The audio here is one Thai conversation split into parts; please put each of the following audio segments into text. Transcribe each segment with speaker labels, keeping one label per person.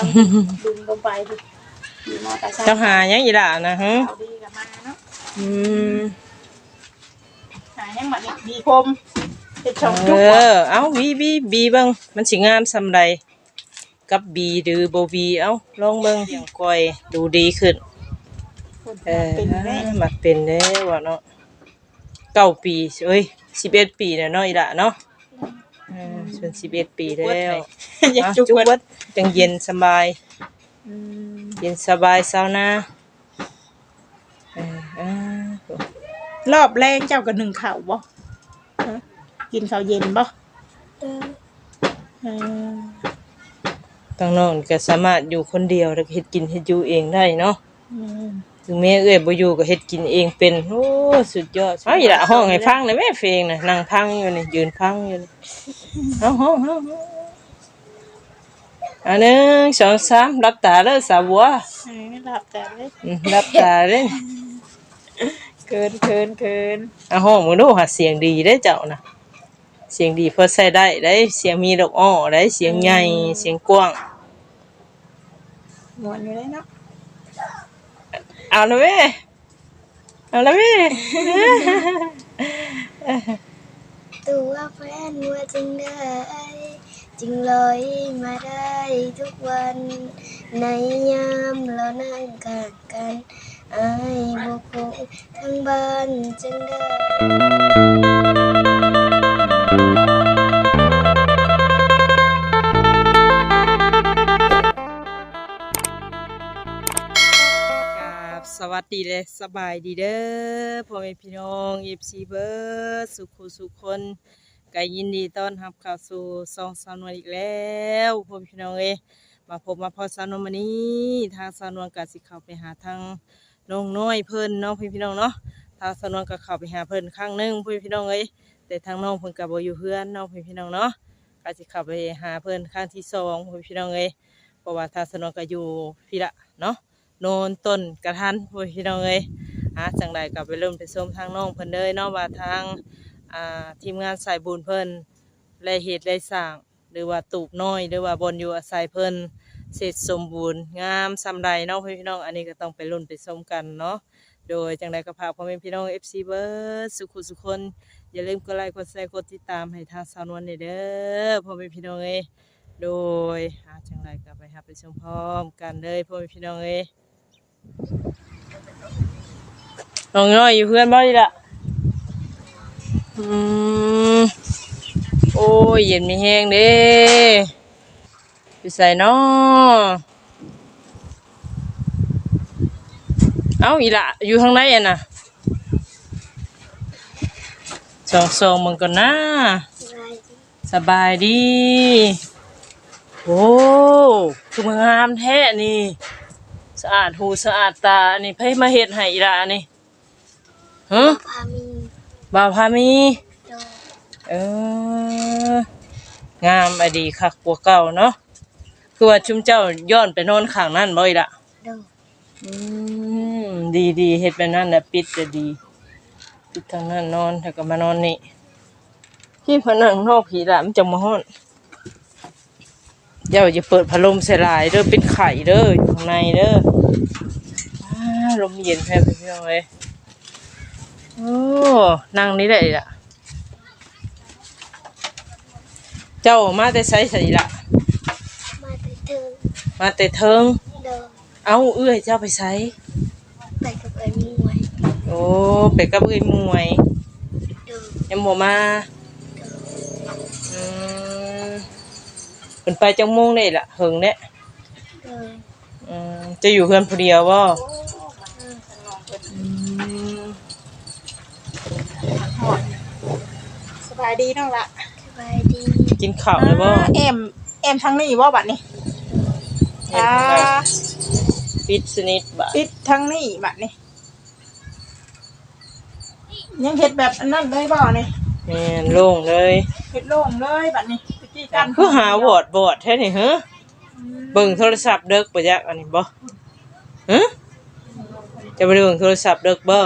Speaker 1: ดึงลงไปดิมีมอเตอร์ไซค์
Speaker 2: เจ้าหายังอีหล่ะนะฮะ
Speaker 1: เอาดีกับมาเนาะ
Speaker 2: อืม
Speaker 1: หายังบัดนี้ดีคมเฮ็ดช่องจุกบ่
Speaker 2: เอาบีเบิ่งมันสิงามซำใดกับบีหรือบ่บีเอาลองเบิ่งเสียงก้อยดูดีขึ้น
Speaker 1: เป็นแม่
Speaker 2: มักเป็นเด้ว่าเนาะ9 ปีเอ้ย11 ปีแล้วเนาะอีหล่ะเนาะส่วน11 ปีแล้ว
Speaker 1: อยาก
Speaker 2: จุ
Speaker 1: จุ
Speaker 2: ก
Speaker 1: ก
Speaker 2: วัดจังเย็นสบาย
Speaker 1: อืม
Speaker 2: เย็นสบายเช้านะอ่าร
Speaker 1: อบแรงเจ้าก็นึ่งข้าวบ่ฮะกินข้าวเย็นบ่เออ
Speaker 2: ตั้งน้องก็สามารถอยู่คนเดียวแล้วก็เฮ็ดกินเฮ็ดอยู่เองได้เนาะ
Speaker 1: อืม
Speaker 2: ถึงแม่เอ้ยบ่อยู่ก็เฮ็ดกินเองเป็นโอ้สุดยอดเอาอีหล่ะห้องให้ฟังได้แม่เพลงน่ะนั่งพังอยู่นี่ยืนพังอยู่นี่เอาห้องอันหนึ่งสองสามรับตาเด้อสาวบัว
Speaker 1: หลับแต่เลย
Speaker 2: รับตาเด้อ
Speaker 1: เกิน
Speaker 2: เอาห้องมึงดูหาเสียงดีเด้อเจ้าน่ะเสียงดีพอใช้ได้เสียงมีดอกอ้อได้เสียงใหญ่เสียงกว้าง
Speaker 1: ม่วนอยู่เลยเนาะ
Speaker 2: เอาละแม่เอาละแม่
Speaker 3: ตัวแฟนว่าจึงได้จึงลอยมาได้ทุกวันในยามเรานั่งข้างกันอายบุคงทั้งบ้านจึงได้
Speaker 2: กับสวัสดีเลยสบายดีเด้อพ่อแม่พี่น้องFCเบิร์ดสุขคนก็ยินดีต้อนรับเข้าสู่ซองสาวนวลอีกแล้วพ่อแม่พี่น้องมาพบมาพอสาวนวลมื้อนี้ทางสาวนวลก็สิเข้าไปหาทางน้องน้อยเพิ่นเนาะพี่น้องเนาะทางสาวนวลก็เข้าไปหาเพิ่นครั้งหนึงพี่น้องแต่ทางน้องเพิ่นก็บ่อยู่เฮือนเนาะพี่น้องเนาะก็สิเข้าไปหาเพิ่นครั้งที่2พี่น้องเพราะว่าทางสาวนวลก็อยู่พี่ละเนาะโนนต้นกระทันพี่น้องจังใดก็ไปเริ่มไปชมทางน้องเพิ่นเลยเนาะว่าทางทีมงานสายบุญเพิ่นและเหตุและสร้างหรือว่าตูบน้อยหรือว่าบนอยู่อาศัยเพิ่นเสร็จสมบูรณ์งามซำใดเนาะพี่น้องอันนี้ก็ต้องไปลุ้นไปชมกันเนาะโดยจังใดก็พาพ่อแม่พี่น้อง FC เบิร์ดสุขคนอย่าลืมกดไลค์กดแชร์กดติดตามให้ทางสาวนวลเด้อพ่อแม่พี่น้องโดยจังใดก็ไปหาไปชมพร้อมกันเลยพ่อแม่พี่น้องน้องน้อยอยู่เพื่อนบ่ดีละโอ้ยเย็นมีแห้งเด้ไปใส่น้อเอาอีละอยู่ข้างในอ่ะนะสองมึงก่อนนะสบายดีโอ้คือมึงงามแท้นี่สะอาดหูสะอาดตานี่ไผมาเฮ็ดให้อีละนี่ฮะ
Speaker 3: พามี
Speaker 2: บ่าวพามี
Speaker 3: โดย
Speaker 2: เอองามอดีคักกว่าเก่าเนาะคือว่าชุมเจ้าย้อนไปนอนข้างนั่นบ่อีละ
Speaker 3: โดย
Speaker 2: ดีเฮ็ดแบบนั้นน่ะปิดจะดีปิดทางนั้นนอนแล้วก็มานอนนี่พี่พนังนอกผีละมันจะมาฮ้อนเจ้าอย่าเปิดพัดลมใส่หลายเด้อเป็นไข่เด้ออยู่ข้างในเด้อลมเย็นแท้พี่น้องโอ้นั่งนี่ได้ล่ะเจ้ามาแต่ไสสิล่ะ
Speaker 3: มาไปถึง
Speaker 2: มาแต่เทิง
Speaker 3: โดย
Speaker 2: เอาเอื้อยเจ้าไปไส
Speaker 3: ไปกับไอ้มวย
Speaker 2: โอ้ไปกับเอื้อยมวย
Speaker 3: โดย
Speaker 2: ยังบ่มาเพิ่นไปจังโมงได้ล่ะเฮิงเด้
Speaker 3: โดย
Speaker 2: จะอยู่เพื่อนผู้เดียวบ่
Speaker 1: สบายดีน้องละ
Speaker 3: สบายดี
Speaker 2: กินข้าวเลยบ่
Speaker 1: แอมทางนี้บ่บัดนี้
Speaker 2: ปิดสนิทบ่
Speaker 1: ปิดทางนี้บัดนี้ยังเฮ็ดแบบอันนั้นเลยบ่นี่
Speaker 2: แม่นโล่งเลย
Speaker 1: เฮ็ดโล่งเลยบัดนี้ตะกี้กัน
Speaker 2: คือหาวอดแท้นี่ฮะเบิ่งโทรศัพท์เด้อบ่จักอันนี้บ่ฮะจะไปเบิ่งโทรศัพท์เด้อบ่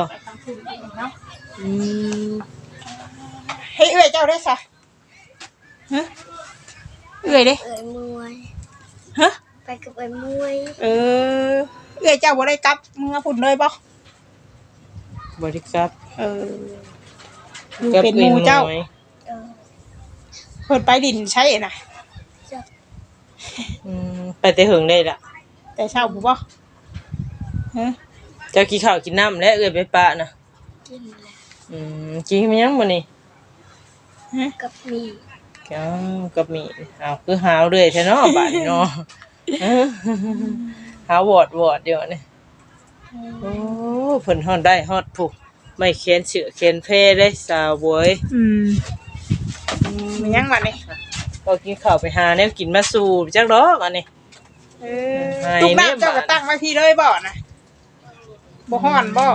Speaker 1: ให้เอื้อยเจ้าได้ซะฮะเอื้อยเด้
Speaker 3: เอ้ยมวย
Speaker 1: ฮะไผ
Speaker 3: ไปกับไอ้มวย
Speaker 1: เอ้ยเจ้าบ่ได้กลับเมื่อพุ่นเลยบ่
Speaker 2: บริกรับ
Speaker 1: อยู่เป็นหมู่เจ้า
Speaker 3: เออ
Speaker 1: เพิ่นไปดินใช่น่ะ
Speaker 3: จับ
Speaker 2: ไปแต่เหิงได้ล่ะ
Speaker 1: แต่เช้าบ่บ่ฮะ
Speaker 2: เจ้ากินข้าวกินน้ำและเอ้ยไปปะนะ
Speaker 3: กินแล้ว
Speaker 2: กินมันยังมื้อนี้
Speaker 3: กับมี
Speaker 2: อ้าวกับมีอ้าวคือหาวเรื่อยแท้เนาะบาดนี้เนาะหาวอดเดี๋ยวนี้โอ้เพิ่นฮอดได้ฮอดผู้ไม่เขียนเสือเขียนเพได้สาวบวย
Speaker 1: มันยังบัดนี้
Speaker 2: ก็กินข้าวไปหาแนวกินมาสู่จักดอกอันนี้ ให้
Speaker 1: ทุก
Speaker 2: แม่
Speaker 1: น้ำเจ้าก็
Speaker 2: บาด
Speaker 1: ตั้งไว้พี่เลยบ่น่ะบ่ฮ้อนบ่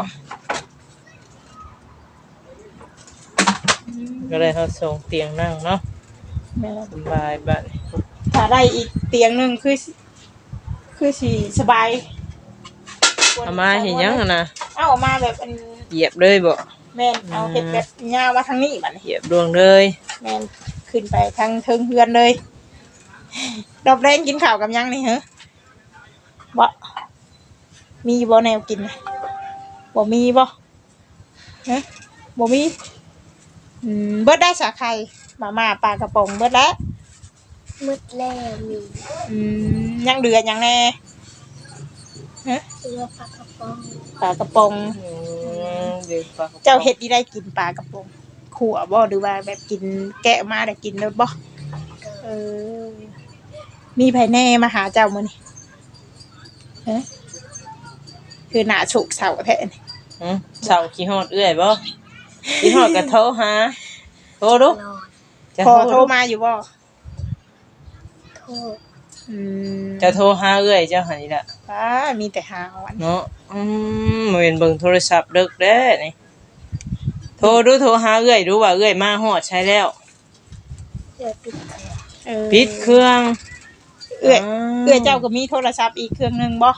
Speaker 2: ก็เลยเฮาส่งเตียงนั่งเนาะ
Speaker 1: แม่น
Speaker 2: สบายบัดนี้
Speaker 1: ถ้าได้อีกเตียงหนึงคือสิสบาย
Speaker 2: เอามาเห็นยังอะนะ
Speaker 1: เอามาแบบอัน
Speaker 2: เหยียบเลยบ่
Speaker 1: แม่นเอาเฮ็ดแบบยาวมาทางนี้บัดนี้
Speaker 2: เหยียบดวงเลย
Speaker 1: แม่นขึ้นไปทางเทิงเฮือนเลยดอกแดงกินข้าวกับยังนี่เหรอบ่มีบ่แนวกินน่ะบ่มีบ่ฮะบ่มีเบิดได้สาไข่มาม่าปลากระป๋องเบิดแล้ว
Speaker 3: มืดแล้วมี
Speaker 1: ยังเดือยังแน่ฮะ
Speaker 3: เรือปลากระป๋อง
Speaker 1: ปลากระป๋อง
Speaker 2: เดี๋ยวฝาก
Speaker 1: เจ้าเฮ็ดที่ได้กินปลากระป๋องขั่วบ่หรือว่าแบบกินแกะมาได้กินแล้วบ่เออมีไผแน่มาหาเจ้ามื้อนี้ฮะคือหน้าฉุกเสาแท้นี่
Speaker 2: เสาขี้ฮอดเอื้อยบ่ขี้ฮอดก็โทรหาโทรดู
Speaker 3: นอน
Speaker 2: จะ
Speaker 1: พอโทรมาอยู่บ่
Speaker 3: โทษ
Speaker 2: จะโทรหาเอื้อยเจ้าหั่นนี่ล่ะ
Speaker 1: ป้ามีแต่หาวัน
Speaker 2: เนาะมาเป็นเบิ่งโทรศัพท์เดึกเด้นี่โทรดูโทรหาเอื้อยดูว่าเอื้อยมาฮอดใช้แล้ว
Speaker 3: เรือปิดแผล
Speaker 2: ปิดเครื่อง
Speaker 1: เอื้อยเจ้าก็มีโทรศัพท์อีกเครื่องหนึงบ่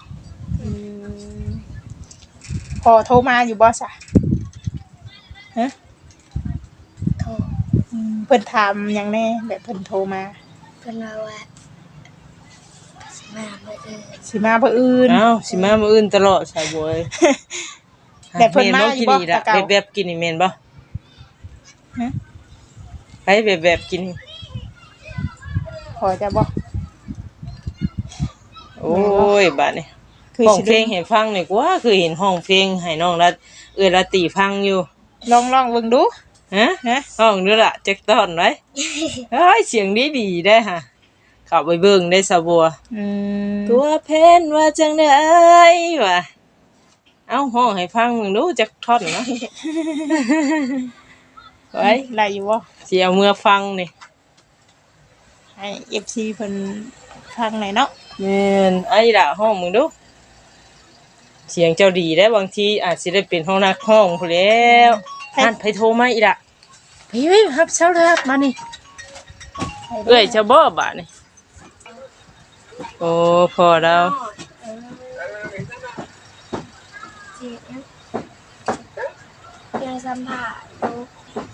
Speaker 1: พอโทรมาอยู่บ่ซะฮะ
Speaker 3: โทษ
Speaker 1: เพิ่นถามหยังแน่แบบเพิ่นโทรมา
Speaker 3: เป็นว่าสมาเมื่อเอิญ
Speaker 1: สิมาบ่อื่น
Speaker 2: เอ้าสิมามื้ออื่นตลอดสาวบวย
Speaker 1: แต่เพิ่นมาอยู่บ่
Speaker 2: แม่นกินนี่ล่ะ
Speaker 1: แต่เก่า
Speaker 2: แบบๆกินนี่แม่นบ่
Speaker 1: ฮะ
Speaker 2: ไปแบบๆกินนี่
Speaker 1: พอจะบ่
Speaker 2: โอ้ยบัดนี้
Speaker 1: คือ
Speaker 2: ห้อง
Speaker 1: สิ
Speaker 2: เพลงให้ฟังนี่กว่าคือเห็นห้องเพลงให้น้องละเอื้อยละตีฟังอยู่
Speaker 1: ลองเบิ่งดู
Speaker 2: ฮะ
Speaker 1: ฮะ
Speaker 2: ห้องด้วยล่ะจักตอนไว้เฮ้ยเสียงดีได้ฮะเข้าไปเบิ่งได้สะบัวตัวเพนว่าจังได๋วะเอาห้องให้ฟังมึงดูจักท่อนเนาะ ไว้
Speaker 1: ไล่อยู่บ่
Speaker 2: สิเอาเมื่อฟังนี่
Speaker 1: ให้ FC เพิ่นฟังหน่อยเนาะ
Speaker 2: แม่นไอ้ล่ะห้องมึงดูเสียงเจ้าดีได้บางทีอาจสิได้เป็นห้องนักห้องพู้นแล้วท่านไปโทรมาอีกล่ะไปครับเช้าเลยครับมานี่เอ้ยจะบ่บาดนี่โอ้พอแล้ว
Speaker 3: จีบนะเรือสัมผัสลูก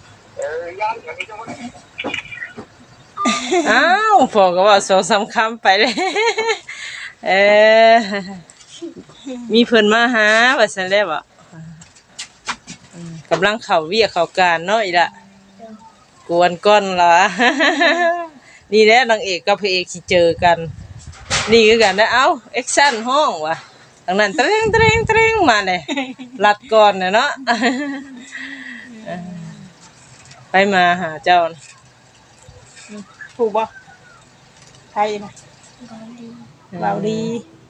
Speaker 2: อ้าวพอก็ว่า2-3คำไปเลยเออมีเพิ่นมาหาว่าซั่นแหละบ่กำลังเข้าเวียกเข้าการเนาะอีล่ะกวนก้อนล่ะ นี่แหละนางเอกกับพระเอกสิเจอกัน นี่คือกันนะเอ้าแอคชั่นห้องว่ะทางนั้นเตรงเตรงเตรงมาเลยลัดก่อนน่ะเนาะ ไปมาหาเจ้านะ
Speaker 1: ถูกบ่ไทยนะ
Speaker 3: บอลดี
Speaker 1: เว้าดี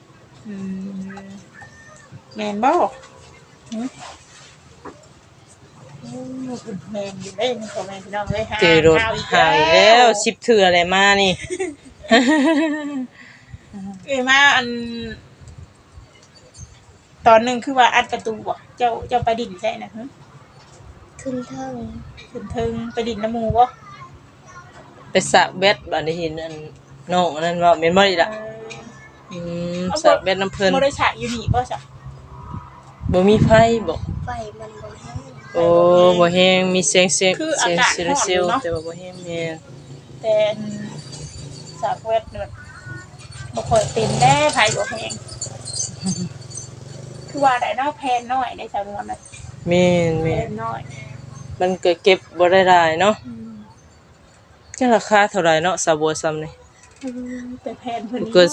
Speaker 1: แม่นบ่แม่นอยู่เด้พ่อแม่พี่น้องเอ้ย
Speaker 2: เจอรถหายแล้ว10เทื่ออะไรมานี่
Speaker 1: เอ้ยมาอันตอนหนึงคือว่าอัดประตูบ่เจ้าไปดินใช่นะฮะ
Speaker 3: ขึ้นเทิง
Speaker 1: ขึ้นเทิงไปดินน้ำหมู่บ่
Speaker 2: ไปสระเบ็ดบัดนี้เห็นอันน้องอันนั้นว่าแม่นบ่อีล่ะสระเบ็ดน้ำเพิ่น
Speaker 1: บ่ได้ฉากอยู่นี่บ่จ้ะ
Speaker 2: บ่มีไฟบ่
Speaker 3: ไฟมันบ่แห้ง
Speaker 2: โอ้บ่แฮงมีเสียง
Speaker 1: คือ
Speaker 2: เสี
Speaker 1: อาย
Speaker 2: ง
Speaker 1: กาศ
Speaker 2: ซิ
Speaker 1: ร้อน
Speaker 2: ซิ
Speaker 1: อยู่
Speaker 2: ล
Speaker 1: เนาะ
Speaker 2: แต่ว่าบ่แฮงแม่น
Speaker 1: แต่ฉากเวทเนี่ยบ่ค่อยเป็นแด้ไผบ่แพงคือว่าได้เนาะแพนน้อยได้จำนวนน่ะ
Speaker 2: แม่น
Speaker 1: แพ
Speaker 2: แม่น
Speaker 1: นน้อย
Speaker 2: มันก็เก็บบ่ได้หลายเนาะจังราคาเท่าไหร่เนาะสาบัวซ้ำนี่
Speaker 1: แต่แพนเพิ่น
Speaker 2: เกิน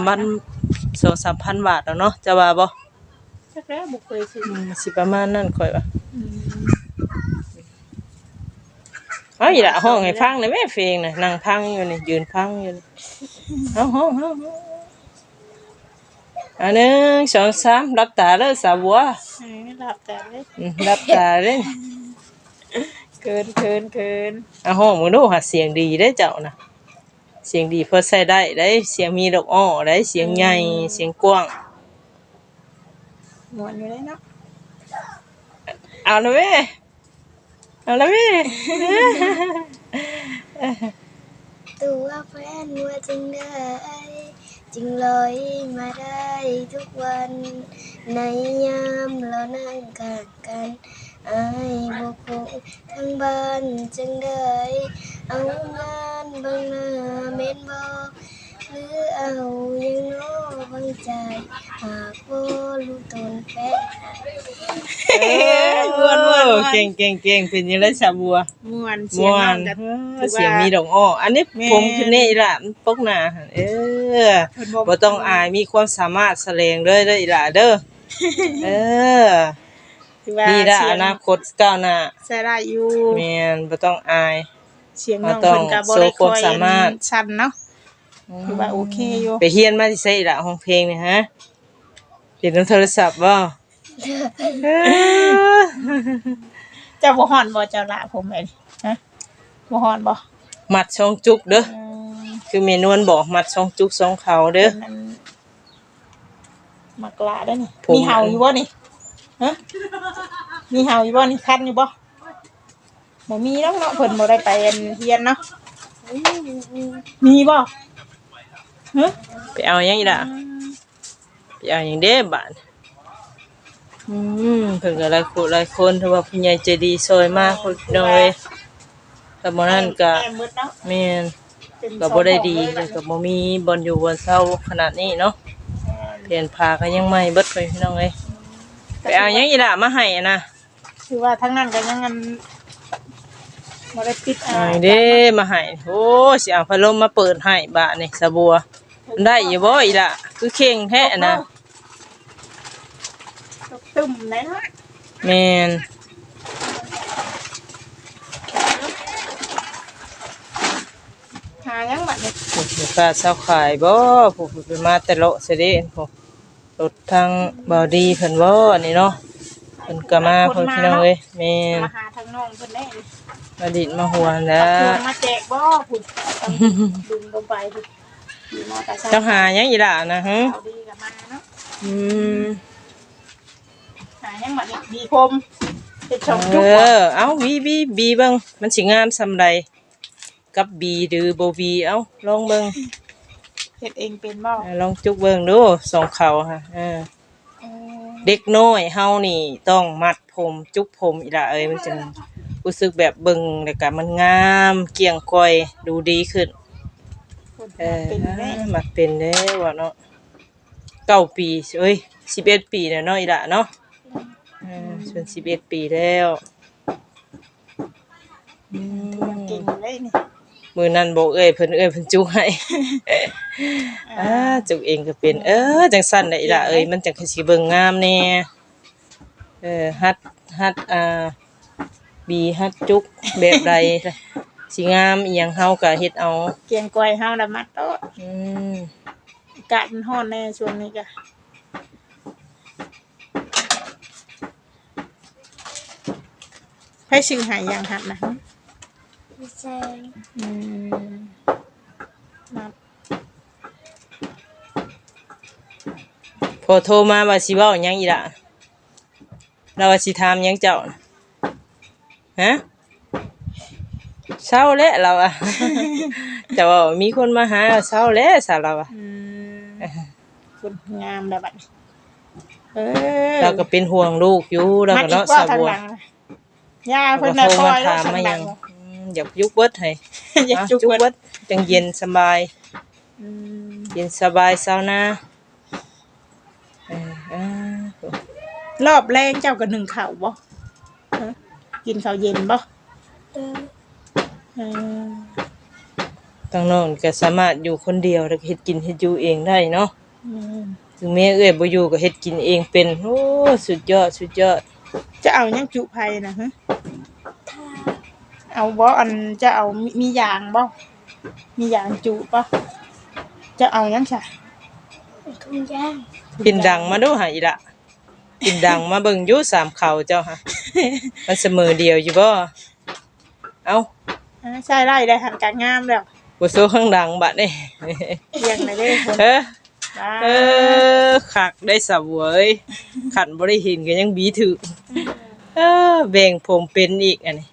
Speaker 2: 2-3,000 บาทแล้วเนาะจะว่าบ่
Speaker 1: จักแล้วบ่เคยซื้อ
Speaker 2: สิประมาณนั้นข่อยว่า
Speaker 1: อืม
Speaker 2: เอาอีหล่ะห้องให้ฟังหน่อยแม่เพลงน่ะนั่งพังอยู่นี่ยืนพังอยู่นี่เอาห้องอัน1 2 3รับตาเด้อสาบัว
Speaker 1: หลับแต่เลย
Speaker 2: รับตาเด้อ
Speaker 1: เกิน
Speaker 2: เอาห้องมึงดูหาเสียงดีได้เจ้านะเสียงดีเพื่อใส่ได้ได้เสียงมีดอกอ้อได้เสียงใหญ่เสียงกว้าง
Speaker 1: ม่วนอยู่เลยเนาะ
Speaker 2: เอาละแม่เอาละแม่
Speaker 3: ตัวแฟนว่าจึงได้จึงลอยมาได้ทุกวันในยามเรานั่งข้างกันอายบ่คงทั้งบ้านจึงได้เอางานบางหน้าเม็นบ่หรือเอายังน้อบางใจหากบ่รู้ตนแฟน
Speaker 2: เก่งเป็นยังไงสาบัว
Speaker 1: ม่วนเสีย
Speaker 2: ม่
Speaker 1: ง
Speaker 2: ว
Speaker 1: น้อน งกัน
Speaker 2: เสียงมีดอกอ้ออันนี้ผมขึ้นนี่ล่ะมันปกหน้าหั่นบ่ต้องอายมีความสามารถแสดงเลยเด้ออีหล่ะเด้อดีละอนาคตก้าวหน้า
Speaker 1: ใส่ได้อยู่
Speaker 2: แม่นบ่ต้องอาย
Speaker 1: เสียงน้องเพิ่นก็บ่ได้
Speaker 2: โชว์ความสามารถ
Speaker 1: ชันเนาะคือว่าโอเคอยู่
Speaker 2: ไปเฮียนมาที่ไสล่ะห้องเพลงนี่ฮะเรียนนำโทรศัพท์บ่
Speaker 1: เจ้าบ่ฮ้อนบ่เจ้าละผมไอ้นี่ฮะบ่ฮ้อนบ่
Speaker 2: มัดช่องจุกเด้อ
Speaker 1: อืม
Speaker 2: คือเมนวนบอกมัดช่องจุกช่องเขาเด้อ
Speaker 1: มันมักละได้อนี่
Speaker 2: ผม
Speaker 1: มีเห่าอยู่บ่นี่ฮะมีเห่าอยู่บ่นี่คันอยู่บ่บ่มีเนาะเนาะเพิ่นบ่ได้ไปเรียนเนาะมีบ่ฮะ
Speaker 2: ไปเอาหยังอีล่ะไปเอาหยังเด้บาดเพิ่นก็หลายคนถือว่าผู้ใหญ่ใจดีซอยมากคนน้อยแต่บ่นั้นก็
Speaker 1: แม่มืดเนาะ
Speaker 2: แม่น
Speaker 1: เป็น
Speaker 2: ก็บ่ได้ดีแล้วก็บ่มีบ่อนอยู่บ่อนเซาขนาดนี้เนาะเปลี่ยนผ้าก็ยังใหม่เบิดไปพี่น้องเอ้ยไปเอาหยังอีล่ะมาให้อะนะ
Speaker 1: คือว่าทั้งนั้นก็ยังอันบ่ได้ปิด
Speaker 2: ไอ้เด้มาให้โอ้สิเอาพัดลมมาเปิดให้บาดนี่สะบัวมันได้อยู่บ่อีล่ะคือเข่งแท้นะ
Speaker 1: ตึมได้เนาะ
Speaker 2: แม่น
Speaker 1: หายังบัดนี้
Speaker 2: ลูกค้าเซาขายบ่ผู้ไปมาแต่เลาะซะเด้ผู้รถทางบ่ดีเพิ่นบ่นี่เนาะเพิ่นก็มาเพิ่นพี่น้องเอ้ยแม่น
Speaker 1: มาหาทางน้องเพิ่นได้นี่
Speaker 2: มาดิดมาหัวแล้
Speaker 1: เอาเครื่
Speaker 2: ว
Speaker 1: องมาแจกบ่พุ่นต้องดึงลงไปพุ่นอยู่มอเตอร์ไซค์
Speaker 2: เจ้าหาหยังอีล่ะนะฮะ
Speaker 1: เอาดีกับมาเนาะ
Speaker 2: อืม
Speaker 1: หายังบัดนี้ดีคมเป็นชม
Speaker 2: เอ
Speaker 1: จุกบ่
Speaker 2: อเอาบีเบิ่งมันสิงามซำใดกับบีหรือบ่บีเอาลองเบิ่ง
Speaker 1: เฮ็ดเองเป็นบ่
Speaker 2: ลองจุกเบิ่งดูสองเขาค่ะ
Speaker 1: เออ
Speaker 2: เด็กน้อยเฮานี่ต้องมัดผมจุกผมอีหล่ะเอ้ยมันจึงรู้สึกแบบเบิ่งแล้วก็มันงามเกลี่ยงก้อยดูดีขึ้น
Speaker 1: เป็นแม่
Speaker 2: มักเป็นเด้ว่าเนาะ9 ปีเอ้ย11 ปีแล้วเนาะอีหล่ะเนาะส่วน11 ปีแล้ว
Speaker 1: เก่งเลยนี่
Speaker 2: มื้อนั้นบอกเอ้ยเพิ่นจุกให้ จุกเองก็เป็นจังซั่นแหละอีหล่ะเอ้ยมันจังสิเบิ่งงามแน่ฮัดบีฮัดจุกแบบใดสิงามอีหยังเฮาก็เฮ็ดเอา
Speaker 1: เกียงก้อยเฮาละมัดโตะ
Speaker 2: อืม
Speaker 1: อากาศมันร้อนแน่ช่วงนี้ก็ให้ชื่อหายยังครับนะ
Speaker 3: ไม่ใช่
Speaker 1: อืมนับ
Speaker 2: พอโทรมาว่าสิเว้าหยังอีหล่ะเราว่าสิถามหยังเจ้าน่ะฮะเช้าแล้วเราอะ แต่ว่ามีคนมาหาเช้าแล้วซะเราอะ
Speaker 1: คุณงามแบบนี้
Speaker 2: เราก็เป็นห่วงลูกอยู่เราก็เนาะสาวบัว
Speaker 1: ย่า
Speaker 2: เรา
Speaker 1: เพิ่
Speaker 2: ก็
Speaker 1: นน่ะ
Speaker 2: โทร
Speaker 1: คอ
Speaker 2: มาย
Speaker 1: แล้ว
Speaker 2: ถาม
Speaker 1: สัง
Speaker 2: มา
Speaker 1: ดั
Speaker 2: ยัง อยากยุกเบิดให้
Speaker 1: อยาก
Speaker 2: อ่ะ
Speaker 1: จุก
Speaker 2: เบิ
Speaker 1: เบิ
Speaker 2: ด
Speaker 1: ด
Speaker 2: จังเย็นสบาย
Speaker 1: อืม
Speaker 2: เย็นสบายเช้านะอ่าร
Speaker 1: อบแรงเจ้าก็นึ่งข้าวบ่ฮะกินข้าวเย็นบ่
Speaker 3: เด้อ
Speaker 1: เออ
Speaker 2: ทางน้องก็สามารถอยู่คนเดียวแล้วก็เฮ็ดกินเฮ็ดอยู่เองได้เนาะ
Speaker 1: อืม
Speaker 2: ถึงแม่เอ้อยบ่อยู่ก็เฮ็ดกินเองเป็นโอ้สุดยอดสุดยอด
Speaker 1: จะเอาหยังจุไผนะฮะ
Speaker 3: ถ้า
Speaker 1: เอาบ่อันจะเอามียางบ่มียางจุบ่จะเอาหยังซะ
Speaker 3: ทุ่งย่าง
Speaker 2: ปินดังมาดูหาอีละปินดังมาเบิ่งอยู่สามเขาเจ้าฮะมันเสมอเดียวอยู่บ่เอ้า
Speaker 1: ใช่ไล่ได้หันกางงามแล้ว
Speaker 2: บ่โซข้างดังบัดนี่
Speaker 1: เรียงได้เด้คน
Speaker 2: เฮ้อ
Speaker 1: บ้า
Speaker 2: คักได้สะเวยขันบ่ได้เห็นก็ยังบีถือแบ่งผมเป็นอีกอันนี้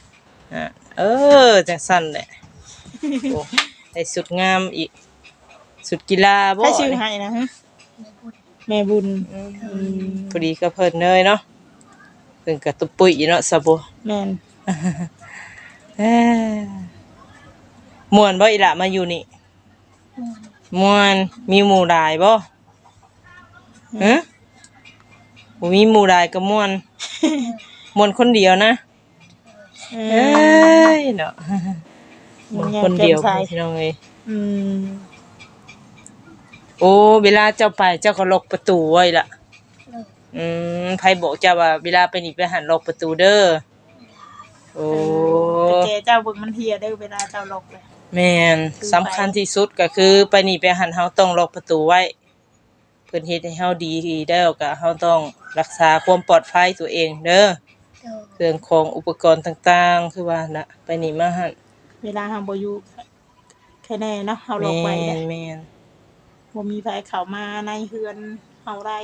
Speaker 2: จังซั่นแหละโอ้ได้สุดงามอีกสุดกีฬาบ่
Speaker 1: ใครชื่อให้นะฮะแม่บุญ
Speaker 2: พอดีก็เพิ่นเลยเนาะเพิ่นก็ตุปุ้ยเนาะซะบ่
Speaker 1: แม่น
Speaker 2: เอ้อม่วนบ่อีหล่ะมาอยู่นี่ม่วนมีหมู่หลายบ่ฮะบ่มีหมู่หลายก็ม่วนม่วนคนเดียวนะเอ้ยเนาะม่วนคนเดียวพี่น้องเอ้ย
Speaker 1: อืม
Speaker 2: โอ้เวลาเจ้าไปเจ้าก็ล็อกประตูไว้ล่ะไผบอกเจ้าว่าเวลาไปนี่ไปหันล็อกประตูเด้อโอ้
Speaker 1: แต่แกเจ้าเบิ่งมันเฮียได้เวลาเจ้าล็อกเลย
Speaker 2: แม่นสำคัญที่สุดก็คือไปนี่ไปหันเฮาต้องล็อกประตูไว้เพิ่นเฮ็ดให้เฮาดีแล้วก็เฮาต้องรักษาความปลอดภัยตัวเองเด้อ
Speaker 3: เด้อ
Speaker 2: เครื่องของอุปกรณ์ต่างๆคือว่าน่ะไปนี่มาหั่น
Speaker 1: เวลาเฮาบ่อยู่แค่แน่เนาะเฮาล็อกไว้
Speaker 2: แม่
Speaker 1: ได้
Speaker 2: นแม่น
Speaker 1: บ่มีไผเข้ามาในเฮือนเฮาได้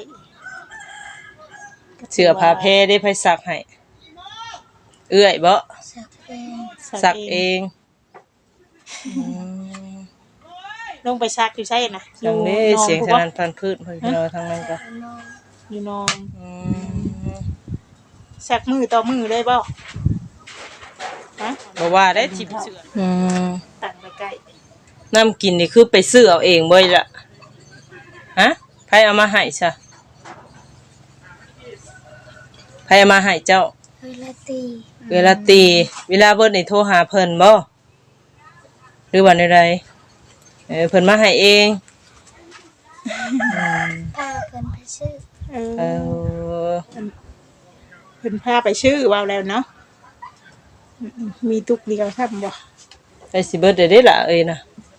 Speaker 2: เสื้อผ้าแพรได้ไผซักให้เอื้อยบ่
Speaker 3: สักเป็น
Speaker 2: ซักเองม
Speaker 1: ลงไปซักอยู่ใช่น่ะ
Speaker 2: จังนี้
Speaker 1: อยู่
Speaker 2: เสียง
Speaker 1: น
Speaker 2: ส
Speaker 1: อน
Speaker 2: นั่นพันพืชเพิ่นเราทางนั้นก็
Speaker 3: น้อง
Speaker 1: อยู่นอน
Speaker 2: อืม
Speaker 1: ซักมือต่อมือได้บ่ฮะ
Speaker 2: บ่ว่าได้ทิพเสือ
Speaker 1: ตั้งไปใกล้
Speaker 2: น้ำกินนี่คือไปซื้อเอาเองบ่ล่ะฮะไผเอามาให้ซะไผเอามาให้เจ้า
Speaker 3: เวลาตี
Speaker 2: เวลาตีเวลาเบิดนี่โทรหาเพิ่นบ่หรือว่าใดเพิ่นมาให้เอง
Speaker 3: พาเพิ่นไปซื้อ
Speaker 1: เอ
Speaker 2: เอ
Speaker 1: อ
Speaker 2: อ
Speaker 1: เพิ่นพาไปชื่อว่าแล้วเนาะมีตุกเดียวทำบ่
Speaker 2: ไปสิเบิดได้ล่ะเอ้ยนะ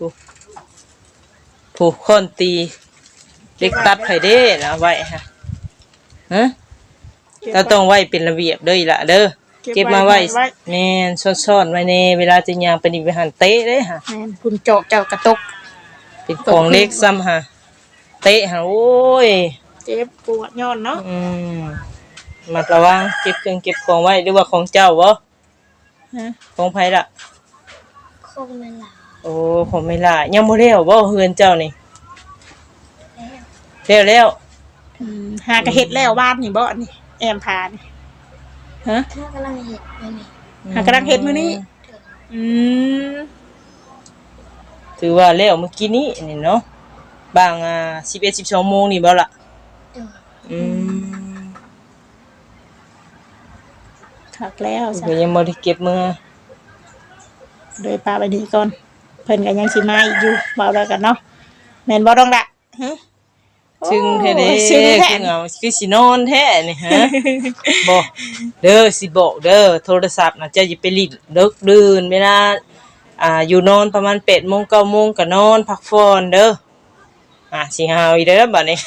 Speaker 2: ผู้คนตีเด็กตัดไผเด้นะไว้ฮะฮะเราต้องไว้เป็นระเบียบเด้ออีหล่ะเด้อเก็บมาไว้แม่นซ่อนๆไว้ในเวลาจะย่างไปนี่ไปหันเตะเด้ฮะ
Speaker 1: แม่นคุณเจาะเจ้ากระตก
Speaker 2: เป็นของเล็กซ้ำฮะเตะฮะโอ้ย
Speaker 1: เจ็บปวดย้อนเนาะ
Speaker 2: มัดระวังเก็บเครื่องเก็บของไว้หรือว่าของเจ้าบ่
Speaker 1: ฮะ
Speaker 2: ของไผล่ะ
Speaker 3: คงไม่หลา
Speaker 2: โอ้ผมไม่ล่ะยังบ่แล้วบ่เฮือนเจ้านี่
Speaker 3: แล้ว
Speaker 2: แล้ว
Speaker 1: หากระเฮ็ดแล้วบ้านนี่บ่นี่แอมพานี่ฮะ
Speaker 3: ถ้ากำลังเห็ดไปนี่
Speaker 1: หากำลังเฮ็ดมื้อนี้
Speaker 3: เด้อ
Speaker 1: อืม
Speaker 2: ถือว่าแล้วเมื่อกี้นี้นี่เนาะบาง11 12โมงนี่บ่ล่ะ
Speaker 3: เด้อ
Speaker 2: อืม
Speaker 1: ถักแล้วจ้ะ
Speaker 2: ก็ยังบ่ได้เก็บมือ
Speaker 1: โดยปลาไปนี่ก่อนเพิ่นก็ยังสิมาอีกอยู่เบาแล้วกันเนาะแม่นบ่ต้องละฮะ
Speaker 2: ซึ่งแท้เด้
Speaker 1: ซึ่งแท้
Speaker 2: คือเอาคือสินอนแท้นี่ฮะ บ่เด้อสิบอกเด้อโทรศัพท์น่ะเจ้าอย่าไปลิ้นเลิกดื่นเวลาอยู่นอนประมาณ8โมง9โมงก็นอนพักผ่อนเด้อสิหาวอีเด้อบัดนี้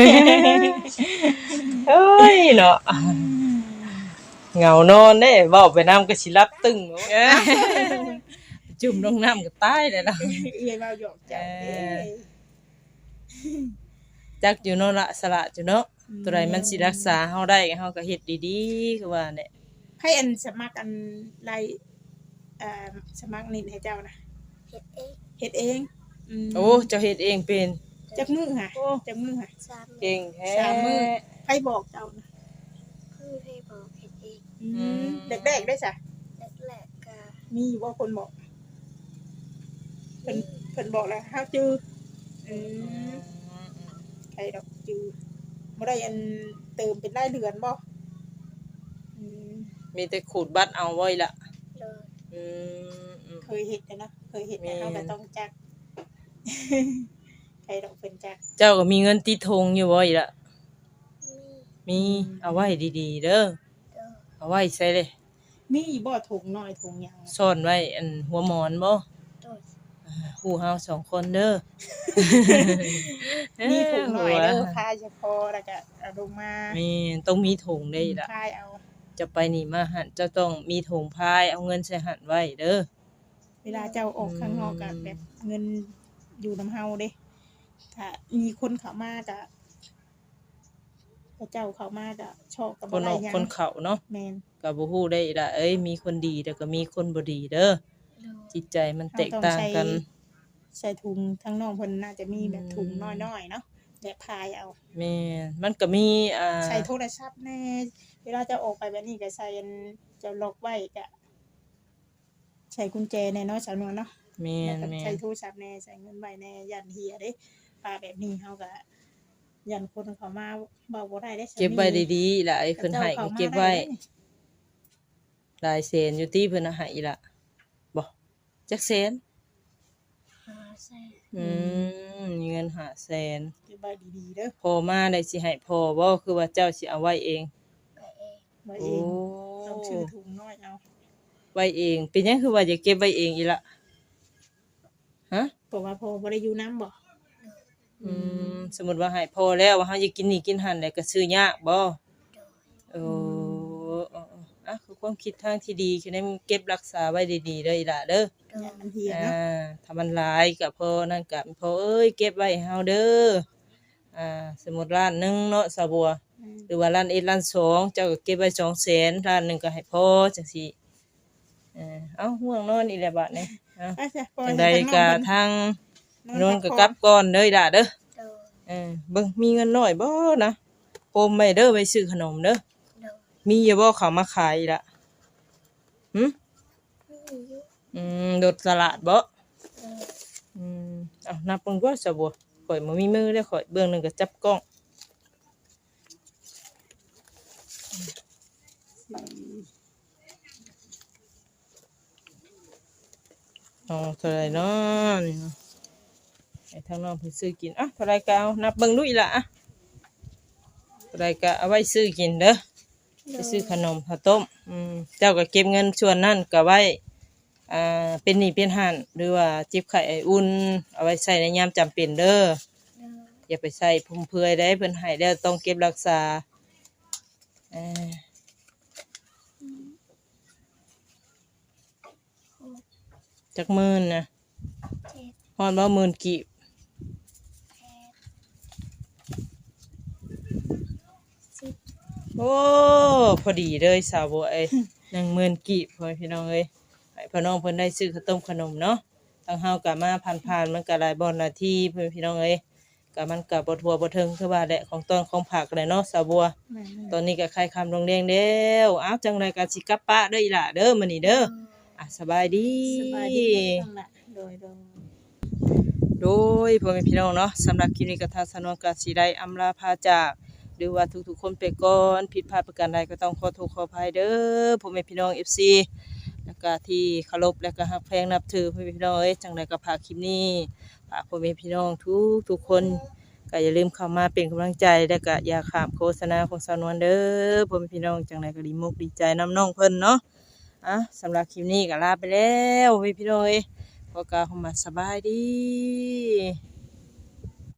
Speaker 2: เอ้ยเนาะเหงานอนเด้เว้าไปน้ำก็สิหลับตึงจุ่มลงน้ำก็ตายเลยล่ะ
Speaker 1: เอ้ยเว้าหยอกจ้ะ
Speaker 2: จักอยู่เนาะละสละอยู่เนาะตัวใดมันสิรักษาเฮาได้เฮาก็เฮ็ดดีๆคือว่าเนี่ย
Speaker 1: ให้อันสมัครอันไลสมัครนิดให้เจ้านะ
Speaker 3: เห็ดเอง
Speaker 1: เฮ็ดเองม
Speaker 2: โอ้เจ้าเฮ็ดเองเป็น
Speaker 1: จักมือค่ะจักมือค่ะ
Speaker 3: สาม
Speaker 2: เก่งแท้
Speaker 1: 3 มื้อใครบอกเจ้านะ
Speaker 3: เพื่อให้บอกเห็ดเอง
Speaker 1: แรกๆได้จ้ะ
Speaker 3: แรกๆก็
Speaker 1: มีอยู่ว่าคนบอกเพิ่นบอกแล้วเฮาจื้ออืมใครดอกจือบ่ได้อันเติมเป็นรายเดือนบ่อืม
Speaker 2: มีแต่ขูดบัตรเอาไว้ละ
Speaker 3: โดย
Speaker 2: อืม
Speaker 1: เคยเห็นแต่เนาะเคยเห็นแต่
Speaker 2: แม่น
Speaker 1: เฮาก็ต้องจัก ใครดอกเพิ่นจัก
Speaker 2: เจ้าก็มีเงินติดธงอยู่บ่อีกละ
Speaker 3: มี
Speaker 2: มีเอาไว้ดีๆเด้อ
Speaker 3: โดย
Speaker 2: เอาไว้ใส่เลย
Speaker 1: มีบ่ถุงน้อยถุงหยัง
Speaker 2: ซ่อนไว้อันหัวหมอนบ่
Speaker 3: โดย
Speaker 2: ฮู้เฮาสองคนเด้อ
Speaker 1: มีถุงน้อยเด้อพายเฉพาะแล้วก็เอาลงมา
Speaker 2: แม่นต้องมีถุงได้อีกละ
Speaker 1: พายเอา
Speaker 2: จะไปนี่มาหันเจ้าต้องมีถุงพายเอาเงินใส่หันไว้เด้อ
Speaker 1: เวลาเจ้าออกข้างนอกก็แบบเงินอยู่นำเฮาเด้ถ้ามีคนเข้ามาก็เจ้าเข้ามาก็ชอบกับ
Speaker 2: คน
Speaker 1: อะไร
Speaker 2: ออก
Speaker 1: หยัง
Speaker 2: คนเข้าเนาะ
Speaker 1: แม่น
Speaker 2: ก็บ่ฮู้ได้อีกละเอ้ยมีคนดีแต่ก็มีคนบ่ดีเด้อ
Speaker 3: โดย
Speaker 2: จิตใจมันแตกต่างกัน
Speaker 1: ใส่ถุงทั้งน้องเพิ่นน่าจะมีแบบถุงน้อยๆเนาะแบบพายเอา
Speaker 2: แม่นมันก็มี
Speaker 1: ใส่โทรศัพท์แน่เวลาจะออกไปแบบนี้ก็ใส่อันจะล็อกไว้ก็ใส่กุญแจแน่เนาะสาวนวลเนาะ
Speaker 2: แม่
Speaker 1: แล้ว
Speaker 2: น
Speaker 1: ก็
Speaker 2: แม่
Speaker 1: ใส่
Speaker 2: น
Speaker 1: โทรศัพท์แน่ใส่เงินไว้แน่ยันเฮียเด้ปลาแบบนี้เฮาก็ยันคนเขามาเบาบ่ได้ได้
Speaker 2: เก็บไว้ดีๆล่ะไอ้เพิ่นให้ก็เก็บไว้หลายแสนอยู่ติเพิ่นให้อีละบ่จักแสน
Speaker 3: 500,000
Speaker 2: มีเงิน500,000
Speaker 1: เก็บไว้ดีๆเด้อ
Speaker 2: พอมาได้สิให้พอบ่คือว่าเจ้าสิเอาไว้เอง
Speaker 3: ไปเอง
Speaker 1: ไว้
Speaker 2: โอ้
Speaker 1: เองต้องชื่อถุงน้อยเอา
Speaker 2: ไว้เองเป็นหยังคือว่าจะเก็บไว้เองอีละฮะ
Speaker 1: เพราะว่าพอบ่ได้อยู่น้ำบ่
Speaker 2: สมมุติว่าให้พอแล้วว่าเฮาจะกินนี่กินหั่นได้ก็ซื้อยากบ่โอ้อ่ะคือความคิดทางที่ดีคือได้เก็บรักษาไว้ดีๆเด้ออีหล่ะเด้อ
Speaker 1: ยันมันเฮียเนาะ
Speaker 2: ถ้ามันหลายก็พอนั่นก็พอเอ้ยเก็บไว้ให้เฮาเด้อสมมุติล้านหนึงเนาะสาวบัวหรือว่าล้าน1ล้าน2เจ้าก็เก็บไว้200,000ล้านหนึงก็ให้พอจังซี่เอ้าห่วงนอนอีแหละบัดนี้
Speaker 1: ไปจ้ะปล่อย
Speaker 2: จัง
Speaker 1: ให้
Speaker 2: ใด
Speaker 1: ทางน้อง
Speaker 2: ก็
Speaker 1: เพิ่น
Speaker 2: ทางโนนก็กลับก่อนเด้อล่ะเด้อ
Speaker 3: โดย
Speaker 2: เบิ่งมีเงินน้อยบ่นะโปมไว้เด้อไว้ซื้อขนมเด้อ
Speaker 3: โดย
Speaker 2: มีอยู่บ่เขามาขายอีกล่ะหึ
Speaker 3: มีอยู่
Speaker 2: รถตลาดบ่
Speaker 3: โดย
Speaker 2: เอานับเบิ่งก่อนซะบ่ข่อยบ่มีมือเด้อข่อยเบื้องหนึงก็จับกล้องเท่าไหร่เนาะนี่เนาะให้ทางน้องเพิ่นซื้อกินเท่าไหร่ก็เอานับเบิ่งดูอีหล่ะเท่าไหร่ก็เอาไว้ซื้อกินเด้อไปซื้อขนมข้าวต้มเจ้าก็เก็บเงินส่วนนั้นก็ไว้เป็นหนี้เป็นหั่นหรือว่าเจ็บไข้ไออุ่นเอาไว้ใช้ในยามจำเป็นเด้อ
Speaker 3: โดย
Speaker 2: อย่าไปใส่พุ่มเพอยได้เพิ่นให้แล้วต้องเก็บรักษาจักหมื่นนะ
Speaker 3: 7
Speaker 2: ฮอดบ่หมื่นกีบ
Speaker 3: 10
Speaker 2: โอ้พอดีเลยสาวบัวเอ้ย 10,000กีบพ่อพี่น้องเอ้ยให้พี่น้องเพิ่นได้ซื้อข้าวต้มขนมเนาะทางเฮาก็มาผ่านๆมันก็หลายบ่หน้าที่เพิ่นพี่น้องเอ้ยก็มันก็บ่ทั่วบ่ถึงคือว่าแหละของต้นของผักแหละเนาะสาวบัว
Speaker 1: แม่น
Speaker 2: ตอนนี้ก็ใครคำลงแดงแล้วอ้าวจังไรก็สิกลับปะเด้ออีหล่ะเด้อมื้อนี้เด้อสบายดี
Speaker 1: สบายดีจังล่ะโดย
Speaker 2: โดยพ่อแม่พี่น้องเนาะสำหรับคลิปนี้ก็ทางสนวนก็สิได้อำลาพาจากหรือว่าทุกๆคนไปก่อนผิดพลาดประการใดก็ต้องขอโทษขออภัยเด้อพ่อแม่พี่น้อง FC แล้วก็ที่เคารพและก็ฮักแพงนับถือพ่อแม่พี่น้องเอ้ยจังไดก็ฝากคลิปนี้ฝากพ่อแม่พี่น้องทุกคนก็อย่าลืมเข้ามาเป็นกำลังใจและก็อย่าข้ามโฆษณาของสาวนวลเด้อพ่อแม่พี่น้องจังไดก็ดีมุกดีใจน้ำน้องเพิ่นเนาะสำหรับคลิปนี้ก็ลาไปแล้วพ่อแม่พี่น้องเอ้ยขอกล่าวคำว่าสบายดี